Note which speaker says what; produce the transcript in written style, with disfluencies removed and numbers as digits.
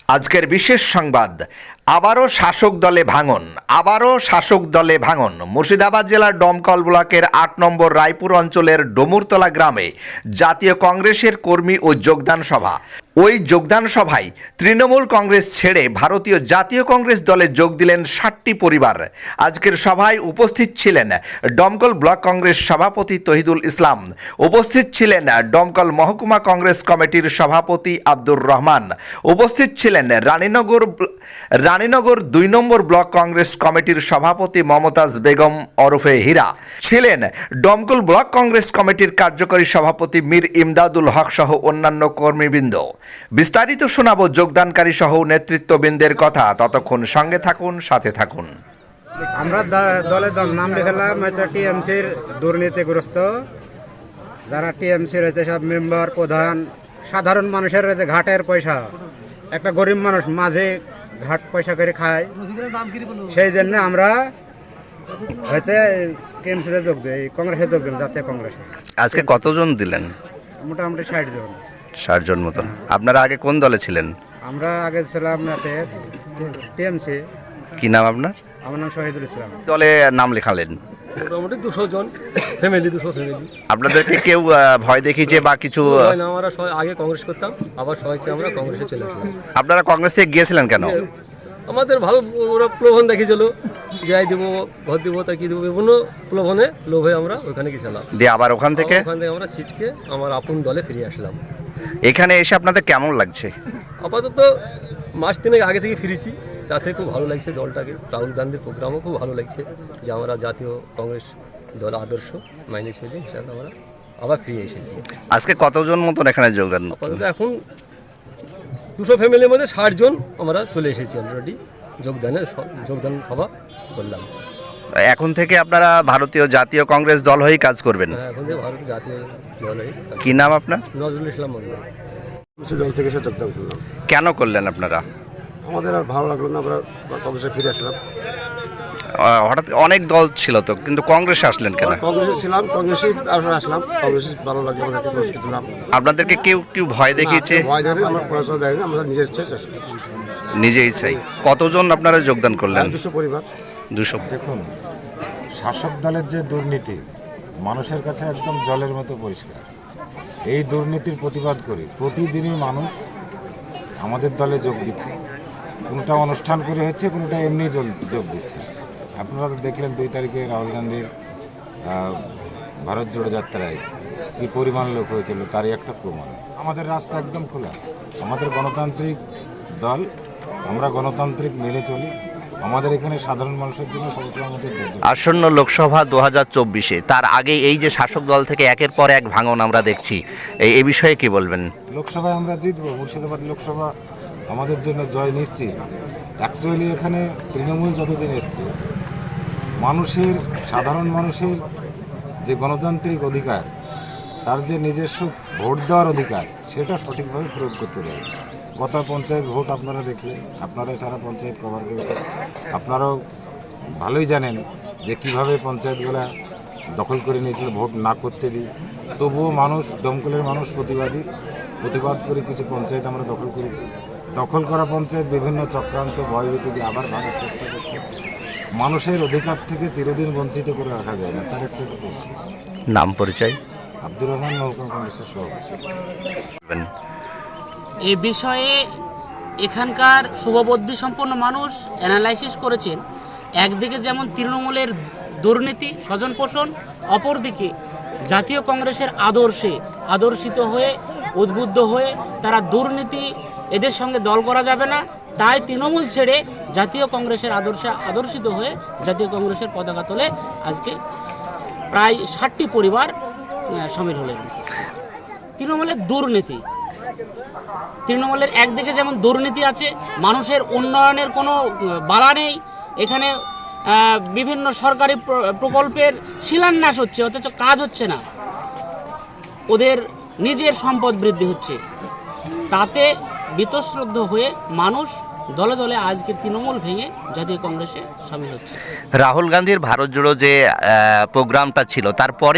Speaker 1: আজকের বিশেষ সংবাদ, আবারও শাসক দলে ভাঙন। মুর্শিদাবাদ জেলার ডোমকল ব্লকের ৮ নম্বর রায়পুর অঞ্চলের ডমুরতলা গ্রামে জাতীয় কংগ্রেসের কর্মী ও যোগদান সভা। ওই যোগদান সভায় তৃণমূল কংগ্রেস ছেড়ে ভারতীয় জাতীয় কংগ্রেস দলে যোগ দিলেন ৬০টি পরিবার। আজকের সভায় উপস্থিত ছিলেন ডোমকল ব্লক কংগ্রেস সভাপতি তহিদুল ইসলাম, উপস্থিত ছিলেন ডোমকল মহকুমা কংগ্রেস কমিটির সভাপতি আব্দুর রহমান, উপস্থিত ছিলেন রানীনগর ২ নম্বর ব্লক কংগ্রেস কমিটির সভাপতি মমতাজ বেগম ওরফে হীরা, ছিলেন ডোমকল ব্লক কংগ্রেস কমিটির কার্যকরী সভাপতি মীর ইমদাদুল হক সহ অন্যান্য কর্মীবৃন্দ। বিস্তারিত শোনাবো যোগদানকারী সহ নেতৃত্ববৃন্দের কথা। ততক্ষণ সঙ্গে থাকুন, সাথে থাকুন।
Speaker 2: আমরা দলের নাম লিখালাম টিএমসির দুর্নীতিগ্রস্ত যারা টিএমসির হয়েছে সব মেম্বার প্রধান, সাধারণ মানুষের হয়েছে ঘাটের পয়সা, একটা গরিব মানুষ মাঝে ঘাট পয়সা করে খায়, সেই জন্য আমরা হয়েছে টিএমসিতে যোগ দিই, কংগ্রেসে যোগ দিলাম, জাতীয় কংগ্রেসে।
Speaker 1: আজকে কতজন দিলেন?
Speaker 2: মোটামুটি ৬০ জন।
Speaker 1: ৬০ জন মতন। আপনারা আগে কোন দলে ছিলেন?
Speaker 2: আমরা আগে ছিলাম টিএমসি।
Speaker 1: কি নাম আপনার?
Speaker 2: আমার নাম শহীদুল ইসলাম।
Speaker 1: দলে নাম লেখালেন?
Speaker 3: মোটামুটি ২০০ জন ফ্যামিলি, ২০০ ফ্যামিলি।
Speaker 1: আপনাদেরকে কেউ ভয় দেখিয়েছে বা কিছু?
Speaker 3: না, আমরা সবাই আগে কংগ্রেস করতাম, আবার সবাই আমরা কংগ্রেসে চলে আসলাম।
Speaker 1: আপনারা কংগ্রেস থেকে গিয়েছিলেন কেন?
Speaker 3: আমাদের ভালো ওরা প্রলোভন দেখিয়েছিল, যাই দেবো, ভোট দেবো, তাই কি দেবো, বিভিন্ন প্রলোভনে লোভে আমরা ওইখানে গেছিলাম।
Speaker 1: দিয়ে আবার ওখান থেকে
Speaker 3: আমরা ছিটকে আমার আপন দলে ফিরে আসলাম।
Speaker 1: এখানে এসে আপনাদের কেমন লাগছে?
Speaker 3: আপাতত মাস ৩ আগে থেকে ফিরেছি, তাতে খুব ভালো লাগছে দলটাকে। রাহুল গান্ধীর প্রোগ্রামও খুব ভালো লাগছে যে আমরা জাতীয় কংগ্রেস দল আদর্শ মাইনে চলি হিসাবে আমরা আবার ফিরে এসেছি।
Speaker 1: আজকে কতজন মতন এখানে যোগদান?
Speaker 3: আপাতত এখন ২০০ ফ্যামিলির মধ্যে ৬০ জন আমরা চলে এসেছি অলরেডি। যোগদান সভা করলাম।
Speaker 1: এখন থেকে আপনারা ভারতীয় জাতীয় কংগ্রেস দল হয়েই কাজ করবেন?
Speaker 3: হ্যাঁ, এখন থেকে ভারতীয় জাতীয় দল হয়ে।
Speaker 1: কি নাম আপনার?
Speaker 3: নজরুল ইসলাম মন্ডল।
Speaker 4: দল থেকে এসে যোগদান করলাম।
Speaker 1: কেন করলেন আপনারা?
Speaker 4: আমাদের আর ভালো লাগলো না, আমরা কংগ্রেসে ফিরে আসলাম।
Speaker 1: হঠাৎ অনেক দল ছিল তো, কিন্তু কংগ্রেসে আসলেন কেন?
Speaker 4: কংগ্রেসে ছিলাম, কংগ্রেসে আসলাম, কংগ্রেসে ভালো লাগলো, আমাদেরকে কংগ্রেসে দিলাম।
Speaker 1: আপনাদেরকে কেউ ভয় দেখিয়েছে?
Speaker 4: ভয় দেয়নি, আমরা পড়াশোনা দেয়নি, আমরা নিজের ইচ্ছায়
Speaker 1: নিজেই চাই। কতজন আপনারা যোগদান করলেন?
Speaker 4: ২০০ পরিবার।
Speaker 1: ২০০।
Speaker 5: দেখুন, শাসক দলের যে দুর্নীতি মানুষের কাছে একদম জলের মতো পরিষ্কার। এই দুর্নীতির প্রতিবাদ করে প্রতিদিনই মানুষ আমাদের দলে যোগ দিচ্ছে। কোনোটা অনুষ্ঠান করে হচ্ছে, কোনোটা এমনি যোগ দিচ্ছে। আপনারা তো দেখলেন ২ তারিখে রাহুল গান্ধীর ভারত জোড়ো যাত্রায় কী পরিমাণ লোক হয়েছিল, তারই একটা প্রমাণ। আমাদের রাস্তা একদম খোলা, আমাদের গণতান্ত্রিক দল, আমরা গণতান্ত্রিক মেনে চলি। আমাদের এখানে সাধারণ মানুষের জন্য সবসময় আমাদের
Speaker 1: আসন্ন লোকসভা ২০২৪-এ, তার আগে এই যে শাসক দল থেকে একের পর এক ভাঙন আমরা দেখছি, এই বিষয়ে কি বলবেন?
Speaker 5: লোকসভায় আমরা জিতবো। মুর্শিদাবাদ লোকসভা আমাদের জন্য জয় নিশ্চিত। অ্যাকচুয়ালি এখানে তৃণমূল যতদিন এসছে, মানুষের, সাধারণ মানুষের যে গণতান্ত্রিক অধিকার, তার যে নিজস্ব ভোট দেওয়ার অধিকার, সেটা সঠিকভাবে প্রয়োগ করতে দেয়। গত পঞ্চায়েত ভোট আপনারা দেখলেন, আপনারা সারা পঞ্চায়েত কভার করেছেন, আপনারাও ভালোই জানেন যে কিভাবে পঞ্চায়েতগুলো দখল করে নিয়েছিল ভোট না করতে দিই। তবুও মানুষ, দমকলের মানুষ প্রতিবাদ করে কিছু পঞ্চায়েত আমরা দখল করেছি। দখল করা পঞ্চায়েত বিভিন্ন চক্রান্ত, ভয়ভীতি দিয়ে আবার ভাঙার চেষ্টা করছে। মানুষের অধিকার থেকে চিরদিন বঞ্চিত করে রাখা যায় না, তার একটা
Speaker 1: নাম পরিচয়?
Speaker 5: আব্দুর রহমান, মহকুমা কংগ্রেসের সভাপতি।
Speaker 6: এ বিষয়ে এখানকার শুভবুদ্ধি সম্পন্ন মানুষ অ্যানালাইসিস করেছেন। একদিকে যেমন তৃণমূলের দুর্নীতি, স্বজনপোষণ, অপরদিকে জাতীয় কংগ্রেসের আদর্শে আদর্শিত হয়ে, উদ্বুদ্ধ হয়ে তারা দুর্নীতি, এদের সঙ্গে দল করা যাবে না, তাই তৃণমূল ছেড়ে জাতীয় কংগ্রেসের আদর্শে আদর্শিত হয়ে জাতীয় কংগ্রেসের পতাকা তোলে আজকে প্রায় ৬০টি পরিবার সামিল হলেন। তৃণমূলের একদিকে যেমন দুর্নীতি আছে, মানুষের উন্নয়নের কোনো বালা নেই, এখানে বিভিন্ন সরকারি প্রকল্পের শিলান্যাস হচ্ছে অথচ কাজ হচ্ছে না, ওদের নিজের সম্পদ বৃদ্ধি হচ্ছে, তাতে বীতশ্রদ্ধ হয়ে মানুষ দলে দলে আজকে তৃণমূল ভেঙে জাতীয় কংগ্রেসে সামিল হচ্ছে।
Speaker 1: রাহুল গান্ধীর ভারত জোড়ো যে প্রোগ্রামটা ছিল, তারপরে